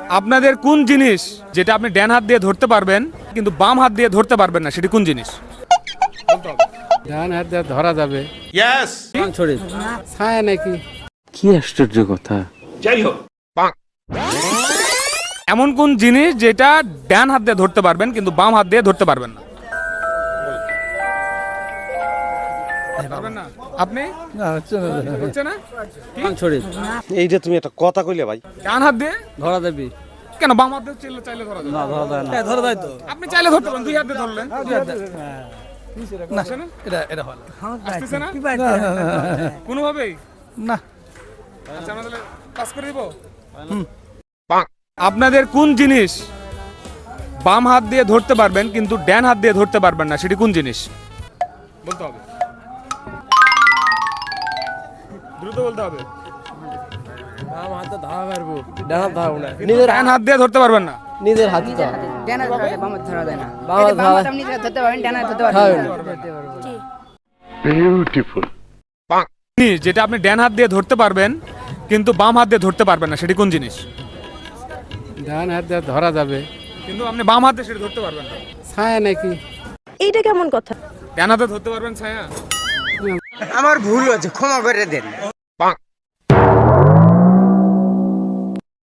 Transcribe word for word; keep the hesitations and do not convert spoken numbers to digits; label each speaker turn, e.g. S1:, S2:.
S1: আপনাদের কোন জিনিস যেটা আপনি ডান হাত দিয়ে ধরতে পারবেন কিন্তু বাম হাত দিয়ে ধরতে পারবেন না, সেটি কোন জিনিস?
S2: ডান হাত দিয়ে ধরা যাবে।
S3: ইয়েস
S2: ছড়ি ছায়া নাকি?
S4: কি আশ্চর্য কথা।
S3: যাই হোক
S1: এমন কোন জিনিস যেটা ডান হাত দিয়ে ধরতে পারবেন কিন্তু বাম হাত দিয়ে ধরতে পারবেন না? পারবেন না আপনি? হচ্ছে না? কি?
S2: ছড়ি
S5: এইটা তুমি একটা কথা কইলে ভাই।
S1: ডান হাত দিয়ে
S2: ধরা যাবে
S1: কেন? বাম হাত দিয়ে চাইলে চাইলে ধরা যাবে।
S2: না, ধরা যায় না। ধরা যায় তো।
S1: আপনি চাইলে ধরতে পারেন, দুই হাত দিয়ে ধরলেন।
S2: না,
S1: আসছে না?
S2: এটা এটা হলো
S1: আসতেছে না কোনোভাবেই?
S2: না।
S1: আচ্ছা আমরা তাহলে পাস করে দিব। আপনাদের কোন জিনিস বাম হাত দিয়ে ধরতে পারবেন কিন্তু ডান হাত দিয়ে ধরতে পারবেন না, সেটি কোন জিনিস? বলতে হবে, দ্রুত বলতে হবে।
S2: বাম হাতে ধরা পারবো, ডান হাত ধরবো না।
S1: নিজের ডান হাত দিয়ে ধরতে পারবেন না।
S2: নিজের হাতে তো
S6: ডানা ধরা যায়, বাম হাতে ধরা যায় না।
S2: বাম হাতে
S6: বাম হাতে আপনি ধরতে পারবেন, ডানা ধরতে পারবেন না।
S1: জিনিস যেটা আপনি ডান হাত দিয়ে ধরতে পারবেন কিন্তু বাম হাত দিয়ে ধরতে পারবেন না, সেটি কোন জিনিস?
S2: ডান হাত দিয়ে ধরা যাবে
S1: কিন্তু আপনি বাম হাতে সেটা ধরতে পারবেন না।
S2: ছায়া নাকি?
S7: এইটা কেমন কথা?
S1: ডান হাতে ধরতে পারবেন ছায়া।
S5: আমার ভুল হয়েছে, ক্ষমা করে দেন।